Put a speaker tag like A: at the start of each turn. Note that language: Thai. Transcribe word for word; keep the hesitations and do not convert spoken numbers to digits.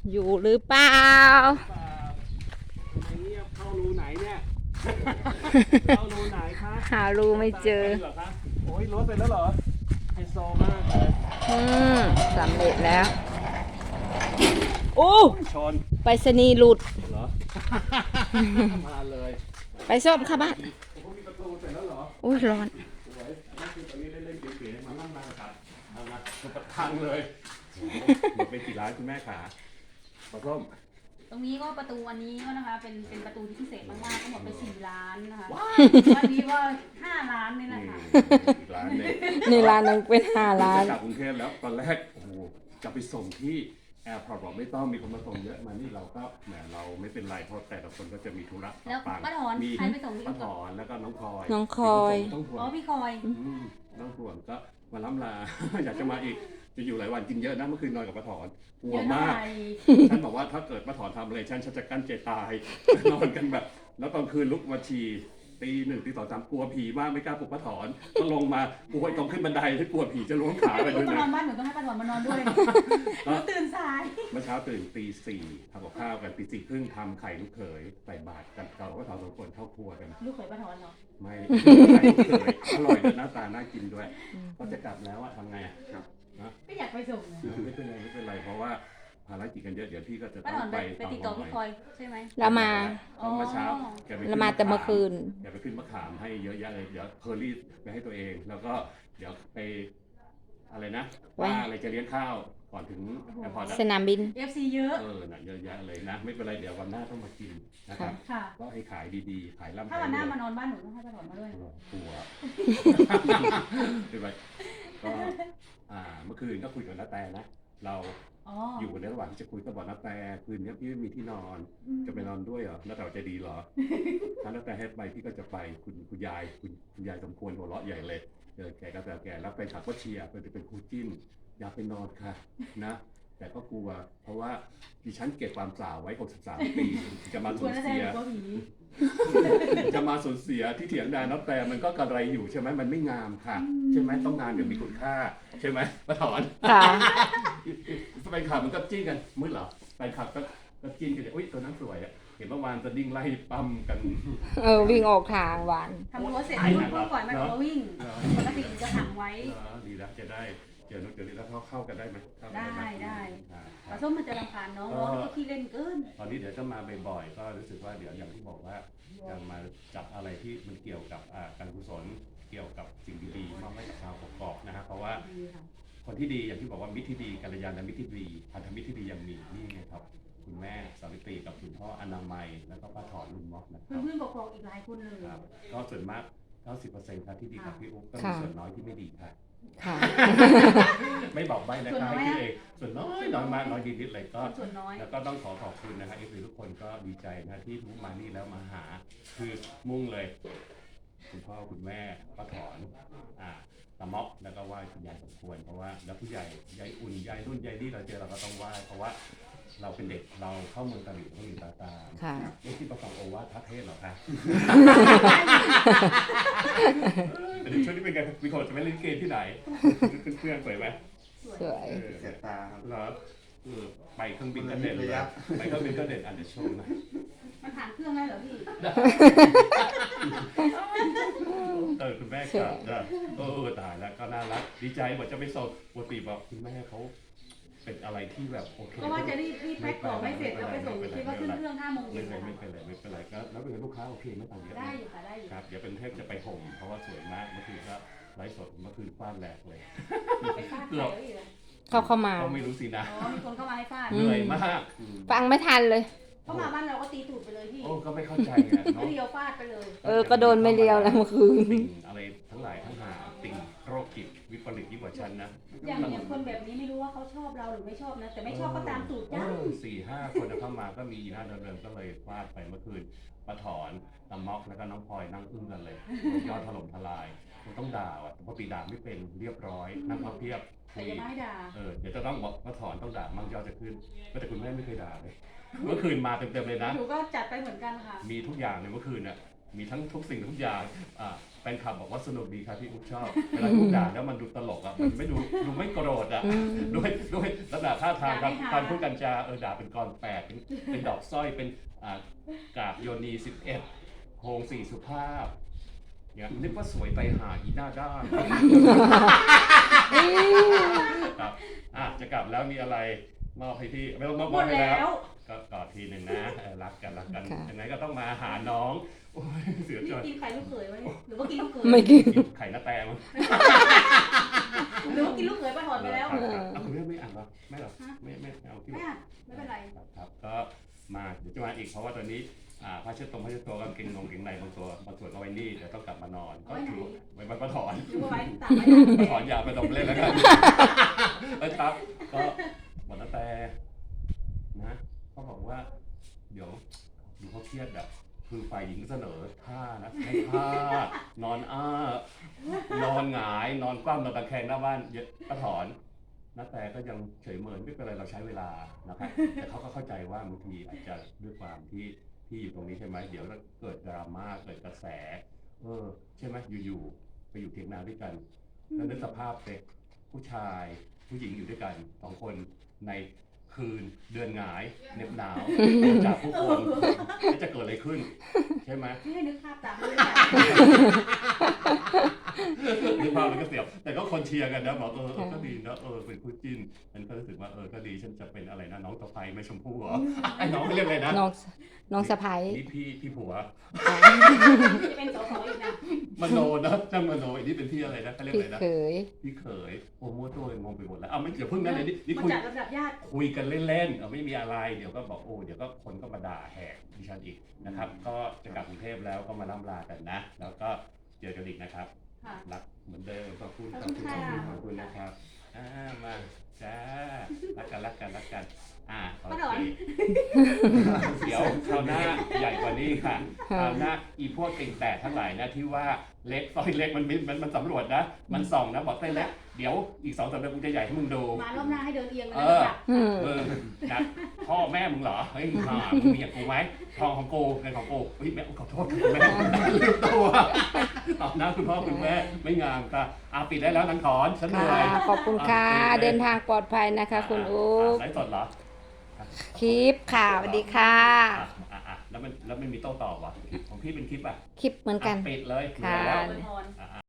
A: อยู่หรือเปล่า
B: เงียบเข้ารูไหนเนี่ยเข้ารูไหนคะ
A: หารูไม่เจอ
B: โอ้ยรถไปแล้วเหรอไฮโซมากเลย
A: อืมสำเร็จแล้วโอ้
B: ชน
A: ไปสนีหลุด
B: เหรอมาเลย
A: ไปส้มค่ะบ้าน
B: มีประตูเสร็จแล้วเหรอ
A: อุ้ยร้อน
B: สวยนี่คือตอนนี้เล่นๆเก๋ๆมานั่งมาครับเอามาประทังเลยหมดไปกี่ร้านคุณแม่ขาปลาส้ม
C: ตรงนี้ก็ประตูอันนี้ก็นะคะเป็นเป็นประตูที่พิเศษมากๆก็หมดไปสี่ล้านนะคะวันนี้ก็ห้าล้านนี่แหละค่ะ
B: อีกร้านนึง
A: นี่ร้านนึงเป็นห้าล้าน
B: กลับกรุงเทพแล้วตอนแรกโอ้โหจะไปส่งที่แอร์พอร์ตบอกไม่ต้องมีคนมาส่งเยอะมานี่เราก็แหมเราไม่เป็นไรเพราะแต่ละคนก็จะมีธุระ
C: แล้วป้าถอนใครไปส่งพี่
B: ป้าถอนแล้วก็น้องคอย
A: น้องคอย
C: อ๋อพี่คอย
B: น้องห่วงก็มาล้ำลาอยากจะมาอีกจะอยู่หลายวันกินเยอะนะเมื่อคืนนอนกับป้าถอนกลัวมากฉันบอกว่าถ้าเกิดป้าถอนทำอะไรฉันฉันจะกั้นใจตายนอนกันแบบแล้วตอนคืนลุกมาฉี่ตีหนึ่งตีสองสามกลัวผีมากไม่กล้าปลุกป้าถอนก็ลงมากลัวตรงขึ้นบันไดที่กลัวผีจะล้วงขาไปด้วยนะ
C: นอนบ้านหนูต้องให้ป้าถอนมานอนด้วยหนูตื่นสาย
B: เมื่อเช้าตื่นตีสี่ทำกับข้าวกันตีสี่ครึ่งทำไข่ลูกเขยใส่บาตรกันเก่าก็ถอนสองคนเข้าครัวกัน
C: ลูกเขยป้าถอนเหรอ
B: ไม่ไข่ลูกเขยอร่อยด้วยหน้าตาน่ากินด้วยก็จะกลับแล้วอะทำไงครับ
C: นะไม่อยากไปส่ง
B: ไม่เป็นไรไม่เป็นไรเพราะว่าภารกิจกันเยอะเดี๋ยวพี่ก็จะ
C: ต้องไปไปติดต่อพี่คอยใช่ไหม
A: เรามา
B: เมื่อเช้า
A: เรามาแต่เมื่อคืน
B: เดี๋ยวไปขึ้นมะขามให้เยอะแยะเลยเดี๋ยวเพอร์รี่ไปให้ตัวเองแล้วก็เดี๋ยวไปอะไรนะว่าอะไรจะเลี้ยงข้าวก่อนถึงแอร์พอร์ต
A: สนามบิน
C: เอฟ ซี เยอะ
B: เออน่ะเยอะแยะเลยนะไม่เป็นไรเดี๋ยววันหน้าต้องมากินนะครับก็ให้ขายดีๆขายล่ำ
C: ถ้าวันหน้ามานอนบ้านหนูต้องให้ป้าถอนมาด้วย
B: กลัวเป็นไรก็อ่าเมื่อคืนก็คุยกับน้าแต่นะเราอยู่ในระหว่างที่จะคุยกับบอกน้าแต่คืนนี้พี่ไม่มีที่นอนจะไปนอนด้วยเหรอน้าแต่จะดีเหรอถ้าน้าแต่ให้ไปพี่ก็จะไปคุณคุณยายคุณคุณยายสมควรหัวเราะใหญ่เลยเจอแกก็แต่แกแล้วไปถักก็เชียร์ไปเป็นคู่จิ้นอยากไปนอนค่ะนะแต่ก็กลัวเพราะว่าดิฉันเก็บความสาวไว้หกสิบสามปีจะมาสูญเสียจะมาสูญเสียที่เถียงนาน้าแต่มันก็กระไรอยู่ใช่ไหมมันไม่งามค่ะใช่ไหมต้องงามอย่างมีคุณค่าใช่ไหมป้าถอน
A: ค่ะ
B: แฟนคลับมันก็จิ้นกันมืดเหรอแฟนคลับก็ก็จิ้นกันอุ้ยตัวนั้นสวยอ่ะเห็นเมื่อวานจะดิ้งไล่ปั๊มกัน
A: เออวิ่งออกทางหวาน
C: ทำรั้วเสร็จพุ่งก่อนมันก็วิ่งปกติจะขังไว้
B: ดีแล้วจะได้เดี๋ยวเดี๋ยวนี้แล้วเขาเข้ากันได้ไหม
C: ได้ได้ปลาส้มมันจะรำคาญน้องน้องก็ขี้เล่นเกิน
B: ตอนนี้เดี๋ยวจะมาบ่อยๆก็รู้สึกว่าเดี๋ยวอย่างที่บอกว่าจะมาจับอะไรที่มันเกี่ยวกับการกุศลเกี่ยวกับสิ่งดีๆมอบให้กับชาวกกอกนะครับเพราะว่าคนที่ดีอย่างที่บอกว่ามิตรที่ดีกัลยาณมิตรที่ดีพันธมิตรที่ดียังมีนี่ไงครับคุณแม่สาวิตรีกับคุณพ่ออนามัยแล้วก็ป้าถอนลุงม็อกนะครับ
C: เพื่อนๆกกอกอีกหลายคนเลย
B: ก็ส่วนมากเก้าสิบเปอร์เซ็นต์ครับที่ดีกับพี่อุ๊บก็มีส่วนน้อยที่ไม่ดีค่ะไม่บอกใบนะครับให้พี่เองส่วนน้อยน้อยมากน้อยนิดๆเลยก็แล้วก็ต้องขอขอบคุณนะครับเอฟซีทุกคนก็ดีใจนะที่ทุกมานี่แล้วมาหาคือมุ่งเลยคุณพ่อคุณแม่ป้าถอนอ่าตะม็อกแล้วก็ไหว้คุณยายสมควรเพราะว่าแล้วผู้ใหญ่ยายอุ่นยายรุ่นยายนี่เราเจอเราก็ต้องไหว้เพราะว่าเราเป็นเด็กเราเข้าเมืองตะลิ่งต้องมีตาตาไม่ที่ประกอบโอวาทพระเทศหรอคะแต่ในช่วงนี้เป็นไงมีคนจะไม่เล่นเกมที่ไหนเพื่อนๆสวยไหม
A: สวย
B: เสียตาเหรอไปเครื่องบินก็เด่นเลยไปเครื่องบินก็เด่นอันเดอร์โชว์นะ
C: มันผ่านเครื่องได้เหรอพี่
B: เออคุณแม่ครับเออตายแล้วก็น่ารักดีใจบอกจะไปส่งปกติบอกคุณแม่เขาเป็นอะไรที่แบบโอเค
C: ก็ว่าจะรีบรีบแพ็คของไม่เสร็จแล้วไปส่งคิดว่าขึ้นเครื่องห้าโมงเย็น
B: ไม่เป็นไรไม่เป็นไรก็แล้วเป็นลูกค้าโอเคไม่ต่างเยอะ
C: ได้อยู่ค่ะได้อยู่
B: ครับเดี๋ยวเป็นเทพจะไปห่มเพราะว่าสวยมากเมื่อคืนก็ไลฟ์สดเมื่อคืนฟาดแหลกเลย
C: ไปฟาดใครอีก
A: เขาเข้ามา
B: เขาไม่รู้สินะ
C: อ๋อมีคนเข้ามาให้ฟาด
B: เหนื่อยมาก
A: ฟังไม่ทันเลย
C: เข้ามาบ้านเราก็ตีตูดไปเลยพี่
B: โอ้ก็ไม่เข้าใจไง
C: เนาะเดียวฟาดไปเลย
A: เออก็โดนไม่เดียวแล้วเมื่อคืน
B: อะไรทั้งหลายทั้งหาติ่งโรคจิตวิปริตยิ่งกว่าฉันนะ
C: อย่างอย่างคนแบบนี้ไม่รู้ว่าเขาชอบเราหรือไม่ชอบนะแต่ไม่ชอบก็ตามตูดจ้า
B: สี่ห้าคนเข้ามาก็มีหน้าเดิมๆก็เลยฟาดไปเมื่อคืนป้าถอนตะม็อกแล้วก็น้องพลอยนั่งอึ้งกันเลยยอดถล่มทลายต้องด่าอ่ะเพราะปีด่าไม่เป็นเรียบร้อยนั่งพับเพียบ
C: แต่ยังไม่ด่า
B: เออเดี๋ยวจะต้องบอกป้าถอนต้องด่ามั่งยอดจะขึ้นแต่คุณแม่ไม่เคยด่าเลยเมื่อคืนมาเต็มๆเลยนะ
C: หนูก็จัดไปเหมือนกันค่ะ
B: มีทุกอย่างในเมื่อคืนน่ะมีทั้งทุกสิ่งทุกอย่างอ่าแฟนคลับบอกว่าสนุกดีครับพี่อุ๊บชอบเวลาพูดด่าแล้วมันดูตลกอ่ะมันไม่ดูดูไม่โกรธอ่ะ
A: อืม
B: ด้วยด้วยลักษณะท่าทางการการพูดกันจาเออด่าเป็นกรแปดเป็นเป็นดอกสร้อยเป็นอ่ากาบโยนีสิบเอ็ดโฮงสี่สุภาพเนี่ยนึกว่าสวยไปหาอีหน้าด้านครับอ่ะจะกลับแล้วมีอะไรมอบให้พี่ไม่ต้องมอบ
C: หมด
B: ให้
C: แล้
B: แล้ว
C: ว
B: ก็กอดทีหนึ่งนะเออรักกันรักกัน
A: ค่ะ
B: ยังไงก็ต้องมาหาน้องโอ้ยเสีย
C: นี่
B: ใจ
C: กินไข่ลูกเขยวะเนี่ยหรือว่ากินลูกเขย
A: ไม่กิน
B: กินไข่หน้าแตมั้ง
C: หรือว่ากินลูกเขยไปถอนไปแล้ว
B: ครับครับเอาคุณแม่ไม่อ่านหรอไม่หรอ
C: ฮะ
B: ไม่ไม่ไม่เอาที่
C: ไม่อ่ะไม่เป็นไร
B: ครับครับก็มาเดี๋ยวจะมาอีกเพราะว่าตอนนี้อ่าผ้าเช็ดตรงผ้าเช็ดตัวกางเกงนงเกงในบางตัวบางส่วนก็ไว้นี่เดี๋ยวต้องกลับมานอนก็ถือไว้บรรพถอน
C: หรือว่าไว้ตากไว้
B: บรรพถอนยาไปต้องเล่นแล้วกันนะครับก็หมดแล้วแต่นะเขาบอกว่า เดี๋ยวดูเขาเครียดอะคือฝ่ายหญิงเสนอท่านะให้ท่านอนอ้านอนหงายนอนคว่ำนอนตะแคงหน้าบ้านเยอะก็ถอนนาแต่ก็ยังเฉยเมินไม่เป็นไรเราใช้เวลานะครับแต่เขาก็เข้าใจว่าบางทีอาจจะด้วยความที่ที่อยู่ตรงนี้ใช่ไหมเดี๋ยวเกิดดราม่าเกิดกระแสเออใช่ไหมอยู่ๆไปอยู่เถียงนาด้วยกันแล้วนึกสภาพเด็กผู้ชายผู้หญิงอยู่ด้วยกันสองคนในคืนเดือนหงายเหน็บหนาวจากผู้คนจะเกิดอะไรขึ้นใช่ไหม
C: ไม่ให้นึกภาพตามเลย
B: นึกภาพมันก็เสียวแต่ก็คนเชียร์กันนะบอกเออเออก็ดีนะเออเป็นคู่จิ้นฉันก็รู้สึกว่าเออก็ดีฉันจะเป็นอะไรนะน้องตะไคร้ไม่ชมพู่เหรอไอ้น้องเขาเรียกอะไรนะ
A: น้องน้องสะพ้าย
B: นี่พี่พี่ผัว
C: จะเป็นสสอีกนะ
B: มโนนะจ้างมโนอันนี้เป็นพี่อะไรนะเขาเรียก
A: พี่
B: อะไรนะ
A: เขย
B: พี่เขยโอ้โหตัวงงไปหมดแล้วเอาไม่เดี๋ยวเพิ่งนั้นเลยนี่นี่
C: มา
B: คุย
C: จัดลำดับญาติ
B: คุยกันเล่นๆเออไม่มีอะไรเดี๋ยวก็บอกโอ้เดี๋ยวก็คนก็มาด่าแหกดิฉันอีกนะครับ ก็จะกลับกรุงเทพแล้วก็มาล่ำลากันนะ แล้วก็เจอกันอีกนะครับ
C: ค่ะ
B: รักเหมือนเดิมขอบคุณ
C: ข
B: ข
C: อ
B: อ
C: บบ คุ
B: คุณ ณ
C: ค่ะ
B: ขอบคุณนะครับอ่ามาจ้ารักกันรักกันรักกันอ่าโอ
C: ป้าถอ
B: เคน เดี๋ยวคราวหน้าใหญ่กว่านี้ค่ะคราวหน้าอีพวกเก่งแต่ทั้งหลายนะที่ว่าเล็กซอยเล็กมันมันมันมันสำรวจนะ มันส่องนะบอกเส้นเล็กเดี๋ยวอีกสองสามเดือนกูจะใหญ่ให้มึงดู
C: มารอบหน้าให้เดินเอียงเลย
B: เอ
C: นะ
B: อ
C: จ๊ะ
A: อืม
B: เออนะพ่อแม่มึงเหรอเฮ้ยห่ามึงมีอย่างกูไหมทองของกูเงินของกูเฮ้ยแม่ขอโทษคุณแม่ลืมตัวตอบนะคุณพ่อคุณแม่ไม่งามค่ะอาปิดได้แล้วนังถอนฉันเหนื่
A: ค่ะ
B: อย
A: ขอบคุณค่ะ เดินทางปลอดภัยนะคะ คุณอุ๊บ
B: ไลฟ์สดเหรอ
A: คลิปค่ะสวัสดีค่ะ
B: อ่ะอ่ะอ่ะแล้วมันแล้วมันมีโต้ตอบวะของพี่เป็นคลิปอ่ะ
A: คลิปเหมือนกัน
B: อ่ะปิดเลย
A: ค่ะ
B: เหนื่อยแล้ว
C: อวยพร
B: อ่ะ